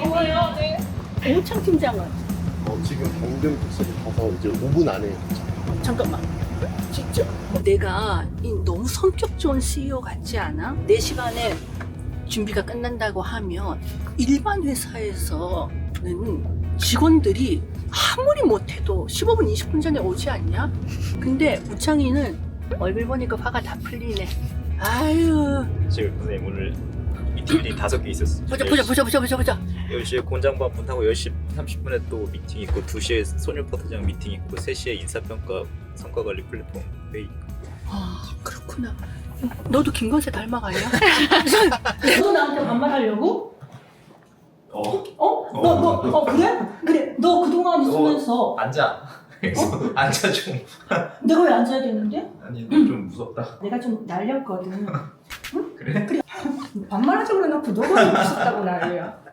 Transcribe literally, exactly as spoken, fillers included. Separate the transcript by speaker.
Speaker 1: 고마워요. 네. 오창 팀장은
Speaker 2: 어, 지금 방금 도착을 가서 이제 오 분 안에 도착.
Speaker 1: 잠깐만. 진짜 내가 이 너무 성격 좋은 씨이오 같지 않아? 네 시간에 준비가 끝난다고 하면 일반 회사에서는 직원들이 아무리 못해도 십오 분, 이십 분 전에 오지 않냐? 근데 우창이는 얼굴 보니까 화가 다 풀리네. 아유.
Speaker 3: 지금 선생님 오늘 미팅이 다섯 개 있었어요.
Speaker 1: 보자, 보자, 보자, 보자, 보자, 보자.
Speaker 3: 열 시에 공장반 분하고 열 시 삼십 분에 또 미팅 있고 두 시에 소녀포트장 미팅 있고 세 시에 인사평가 성과관리 플랫폼 회의.
Speaker 1: 아, 그렇구나. 너도 김건세 닮아가냐? 너 나한테 반말하려고?
Speaker 3: 어?
Speaker 1: 어? 너, 너, 어, 그래? 그래. 너 그동안 있으면서
Speaker 3: 앉아. 그래서 앉아 좀.
Speaker 1: 내가 왜 앉아야 되는데?
Speaker 3: 아니 좀 무섭다.
Speaker 1: 내가 좀 날렸거든.
Speaker 3: 그래?
Speaker 1: 반말하자고 해놓고 너가 무섭다고 난리야.